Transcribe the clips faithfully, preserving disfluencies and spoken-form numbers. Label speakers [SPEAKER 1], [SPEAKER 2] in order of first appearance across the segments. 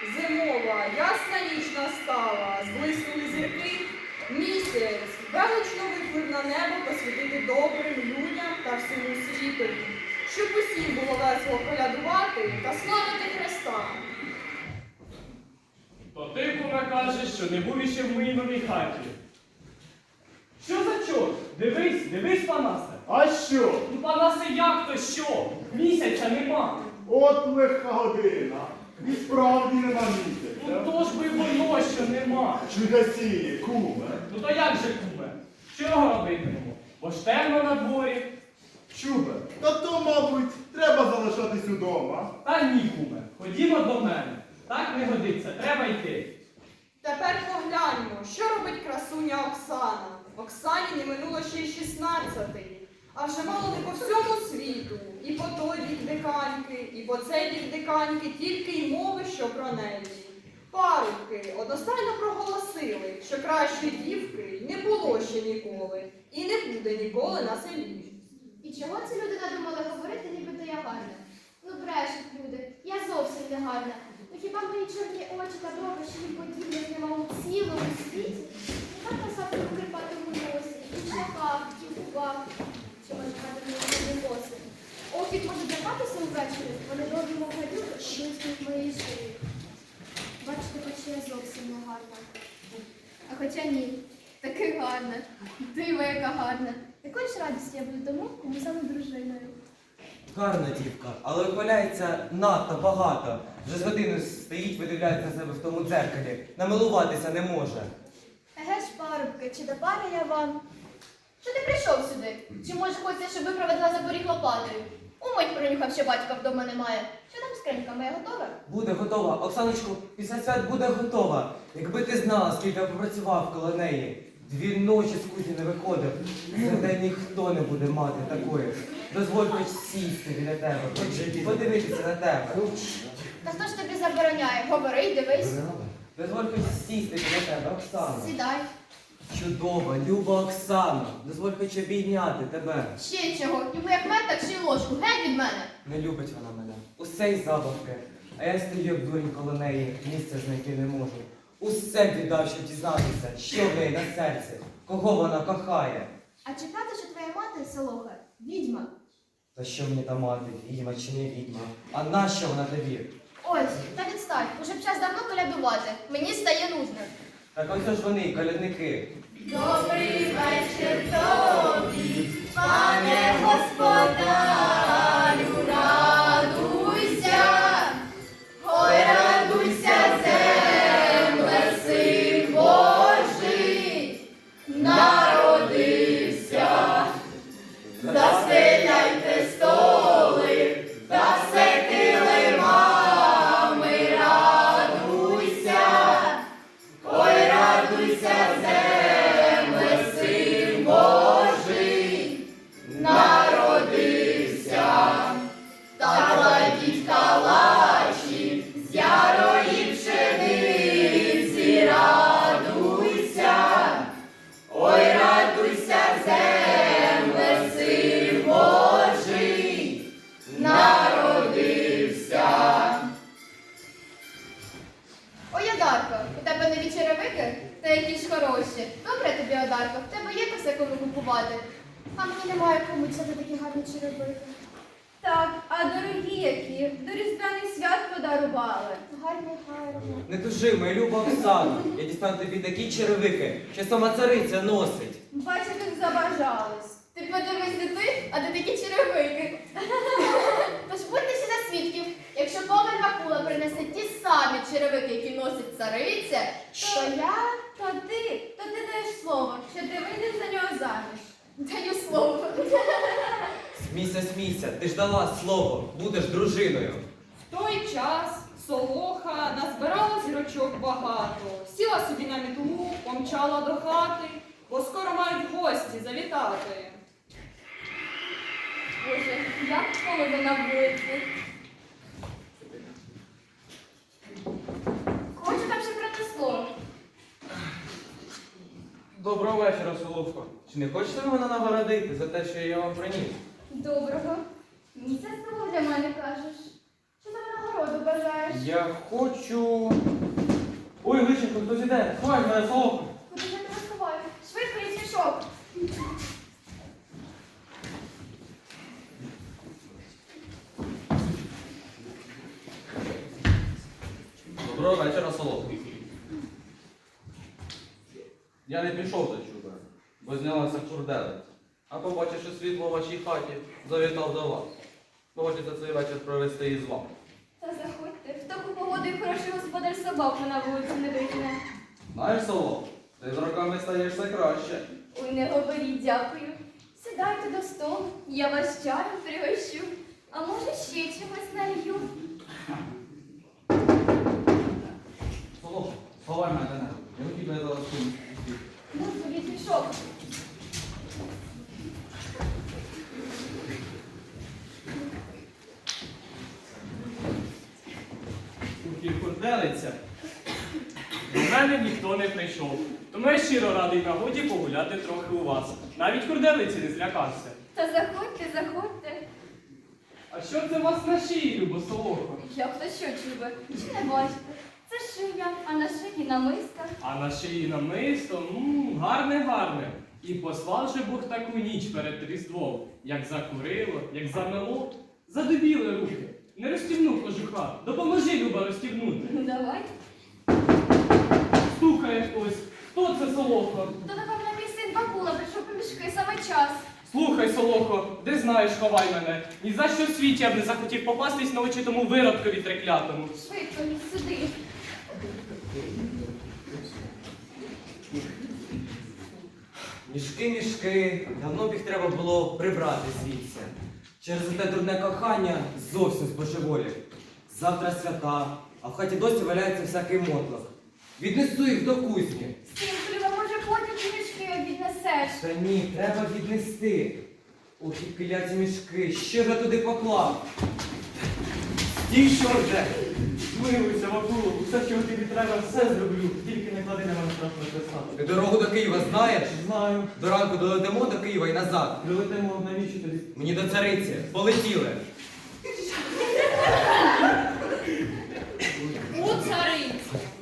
[SPEAKER 1] зимова, ясна ніч настала, зблиснули зірки, місяць велично виплив на небо посвятити добрим людям та всьому світові, щоб усім було весело колядувати та славити Христа.
[SPEAKER 2] То ти, куме, кажеш, що не був іще в моїй новій хаті. Що за чорт? Дивись, дивись, Панасе.
[SPEAKER 3] А що?
[SPEAKER 2] Ну, Панасе, як то що? Місяця нема.
[SPEAKER 3] От легка година. І справді нема
[SPEAKER 2] Ну
[SPEAKER 3] місяця.
[SPEAKER 2] то ж би воно, що нема.
[SPEAKER 3] Чудосіє, куме.
[SPEAKER 2] Ну то як же, куме? Чого робитимемо? Бо ж темно на дворі.
[SPEAKER 3] Чубе, та то, мабуть, треба залишатись удома.
[SPEAKER 2] Та ні, куме. Ходімо до мене. Так не годиться, треба йти.
[SPEAKER 1] Тепер погляньмо, що робить красуня Оксана. Оксані не минуло ще й шістнадцятий, а вже мало не по всьому світу. І по той бік диканьки, і по цей бік диканьки тільки й мови, що про неї. Парубки одностайно проголосили, що кращої дівки не було ще ніколи і не буде ніколи на селі.
[SPEAKER 4] І чого ці люди надумали говорити, нібито я гарна? Ну брешуть люди, я зовсім не гарна. Ну хіба мої чорні очі та брови, що їм подібних нема у цілому світі? Нехай красавці в крипатому носі, і в шляхах, і в губах, що може мати мені коси. Окіт може драпатися увечері, вони довгі мов гадюки, і блискнуть моєї шиї. Бачите, хоч я зовсім не гарна. А хоча ні, таки гарна, диво яка гарна. Якою ж радістю я буду тому, кому саме дружиною.
[SPEAKER 5] Гарна дівка, але вихваляється надто багато. Вже з годину стоїть, видивляється на себе в тому дзеркалі. Намилуватися не може.
[SPEAKER 4] Еге ж, парубки, чи до пари я вам? Що ти прийшов сюди? Чи може хочеться, щоб ви проведла за поріг лопатою? Умить пронюхав, що батька вдома немає. Що там скринька моя готова?
[SPEAKER 5] Буде готова. Оксаночко, після свят буде готова. Якби ти знала, скільки я попрацював коло неї. Дві ночі з кузні не виходив. За день ніхто не буде мати такої. Дозволь хоч сісти біля тебе, хоч подивитися на тебе.
[SPEAKER 4] Та хто ж тобі забороняє? Говори й дивись.
[SPEAKER 5] Дозволь хоч сісти біля тебе, Оксана.
[SPEAKER 4] Сідай.
[SPEAKER 5] Чудова, люба Оксана. Дозволь хоч обійняти тебе.
[SPEAKER 4] Ще чого? Йому як мед, так ще й ложку. Геть від мене.
[SPEAKER 5] Не любить вона мене. Усе й забавки. А я стою, як дурень коло неї, місця знайти не можу. Усе б віддав, щоб дізнатися, що в неї на серці, кого вона кохає.
[SPEAKER 4] А чи правда, що твоя мати, Солоха, відьма?
[SPEAKER 5] Та що мені та мати, відьма чи не відьма? А нащо вона тобі?
[SPEAKER 4] Ось, та відстань. Уже б час давно колядувати. Мені стає нудно.
[SPEAKER 5] Так ось ж вони, колядники.
[SPEAKER 4] Добрий вечір тобі, пане господарю, радуйся, ой, радуйся, земле, син Божий, народився. Застеляйте столи, та все килимами, радуйся, ой, радуйся, земле, син Божий, народився. Та кладіть калачі з ярої пшениці, радуйся, ой, радуйся, земле, син Божий, народився. Ой, Одарко, у тебе нові черевики? Та які ж хороші. Добре тобі, Одарко, в тебе є косе кому купувати. А мені немає кому взяти такі гарні черевики.
[SPEAKER 6] Так, а дорогі які? До Різдвяних свят подарували.
[SPEAKER 4] Гарні, гарні.
[SPEAKER 5] Не тужи, моя люба Оксана. Я дістану тобі такі черевики, що сама цариця носить.
[SPEAKER 6] Бач, як забажались.
[SPEAKER 4] Ти подивись не ти, а де такі черевики. Тож будьте всі за свідків, якщо Коваль Вакула принесе ті самі черевики, які носить цариця,
[SPEAKER 6] То я, то ти, то ти даєш слово, що ти вийдеш за нього заміж.
[SPEAKER 4] даю слово.
[SPEAKER 5] Смійся, смійся, ти ж дала слово, будеш дружиною.
[SPEAKER 1] В той час Солоха назбирала зірочок багато, сіла собі на мітлу, помчала до хати, бо скоро мають гості завітати.
[SPEAKER 6] Боже, як холодно на вулиці.
[SPEAKER 4] Хочу там ще принесло.
[SPEAKER 5] Доброго вечора, Соловко. Чи не хочете ви мене нагородити за те, що я вам приніс?
[SPEAKER 4] Доброго. Місяць того для мене кажеш. Що за винагороду бажаєш?
[SPEAKER 5] Я хочу. Ой, личенко, хтось іде. Ховай мене слово.
[SPEAKER 4] Куди ж я тебе сховаю? Швидко і мішок.
[SPEAKER 7] Доброго вечора, Солодко. Я не пішов за чудом, бо знялася курделиця. А побачивши світло у вашій хаті, завітав до вас. Хочеться цей вечір провести із вами.
[SPEAKER 6] Та заходьте, в таку погоду і хороший господар собаку на вулицю не викине.
[SPEAKER 7] Знаєш, Солодко, ти з роками стаєш все краще.
[SPEAKER 6] Ой, не говоріть, дякую. Сідайте до столу, я вас чаєм пригощу. А може ще чимось налью?
[SPEAKER 7] Солодко, ховай мене до неба. Я хотів би зараз тут.
[SPEAKER 4] Ну, повіть мішок.
[SPEAKER 2] Ух, і курделиця. До мене ніхто не прийшов. Тому я щиро радий нагоді погуляти трохи у вас. Навіть курделиці не злякався.
[SPEAKER 6] Та заходьте, заходьте.
[SPEAKER 2] А що це у вас на шиї, любо солохо?
[SPEAKER 6] Як то що, чубе? Чи не бачите? Це шия, а на шиї намиска.
[SPEAKER 2] А на шиї намисто, мм, гарне, гарне. І послав же Бог таку ніч перед Різдвом, як закурило, як замело, задубіли руки. Не розстібнув кожуха. Допоможи, Люба, розстібнути.
[SPEAKER 6] Ну давай.
[SPEAKER 2] Стукає хтось. Хто це, Солохо?
[SPEAKER 6] То напевно мій син Бакула прийшов по мішки саме час.
[SPEAKER 2] Слухай, Солохо, де знаєш, ховай мене. Ні за що в світі я б не захотів попастись на очі тому виродкові треклятому.
[SPEAKER 6] Швидко, сюди.
[SPEAKER 5] Мішки, мішки. Давно б їх треба було прибрати звідси. Через те дурне кохання зовсім збожеволів. Завтра свята, а в хаті досі валяється всякий мотлох. Віднесу їх до кузні.
[SPEAKER 6] Синку, Люба, може потім ті мішки віднесеш?
[SPEAKER 5] Та ні, треба віднести. Ох, і кляті мішки, що ж я туди поклав? Стій, що вже?
[SPEAKER 2] Змилуйся, Вакуло, усе, що тобі треба, все зроблю. Тільки не клади на мене страшно писати.
[SPEAKER 5] Ти дорогу до Києва знаєш?
[SPEAKER 2] Знаю.
[SPEAKER 5] До ранку долетимо до Києва і назад.
[SPEAKER 2] Прилетимо навіщо тобі?
[SPEAKER 5] Мені до цариці. Полетіли.
[SPEAKER 1] У цариці.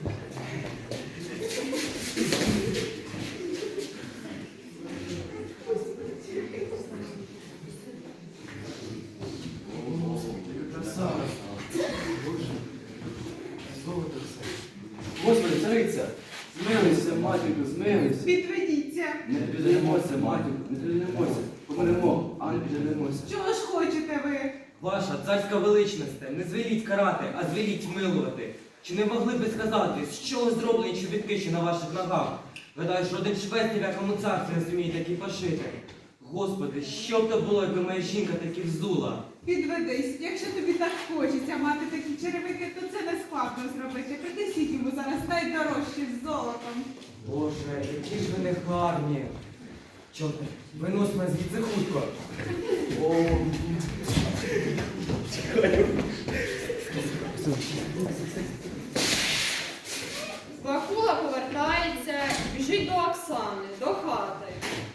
[SPEAKER 7] Господи, цариця, змилися, матінко, змилися.
[SPEAKER 8] Відведіться.
[SPEAKER 7] Не піддаємося, матінко, не піддаємося. Помремо, а не піддаємося.
[SPEAKER 8] Чого ж хочете ви?
[SPEAKER 5] Ваша царська величність, не звеліть карати, а звеліть милувати. Чи не могли би сказати, з чого зроблені чобітки, що на ваших ногах? Гадаю, що один швець ні в якому царстві не зуміє такі пошити. Господи, що б то було, якби моя жінка такі взула?
[SPEAKER 8] Відведись. Якщо тобі так хочеться мати такі черевики, то це не складно зробити. Принесіть йому зараз найдорожчі з золотом.
[SPEAKER 5] Боже, які ж ви не гарні. Чорте, винось мене звідси хутко. О,
[SPEAKER 1] Вакула повертається, біжить до Оксани, до хати.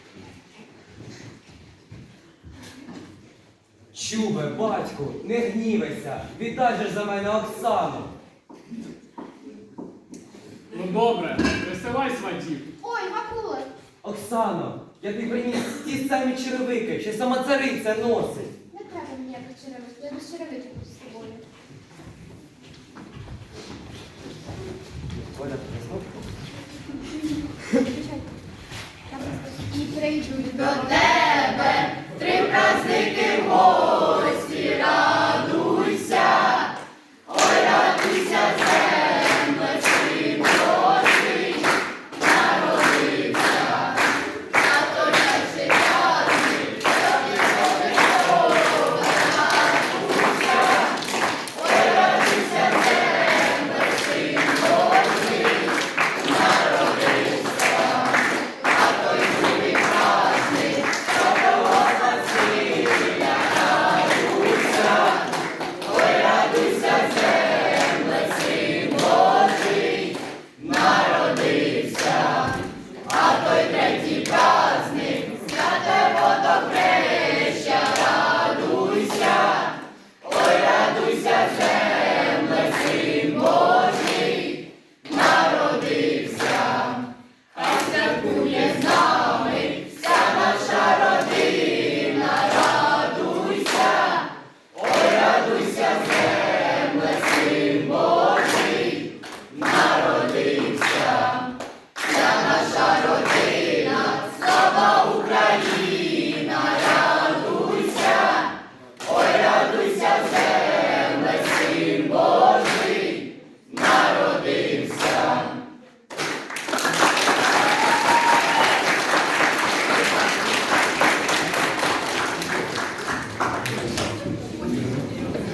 [SPEAKER 5] Чубе, батьку, не гнівайся, віддай же ж за мене Оксану.
[SPEAKER 2] Ну добре, присилай сватів.
[SPEAKER 4] Ой, Вакула.
[SPEAKER 5] Оксано, я тобі приніс ті самі черевики, що сама цариця носить.
[SPEAKER 4] Не треба ніяких черевиків, я без черевиків буду з тобою.
[SPEAKER 5] Оля, знов?
[SPEAKER 4] Звичайно. Я просто і прийду до
[SPEAKER 6] До тебе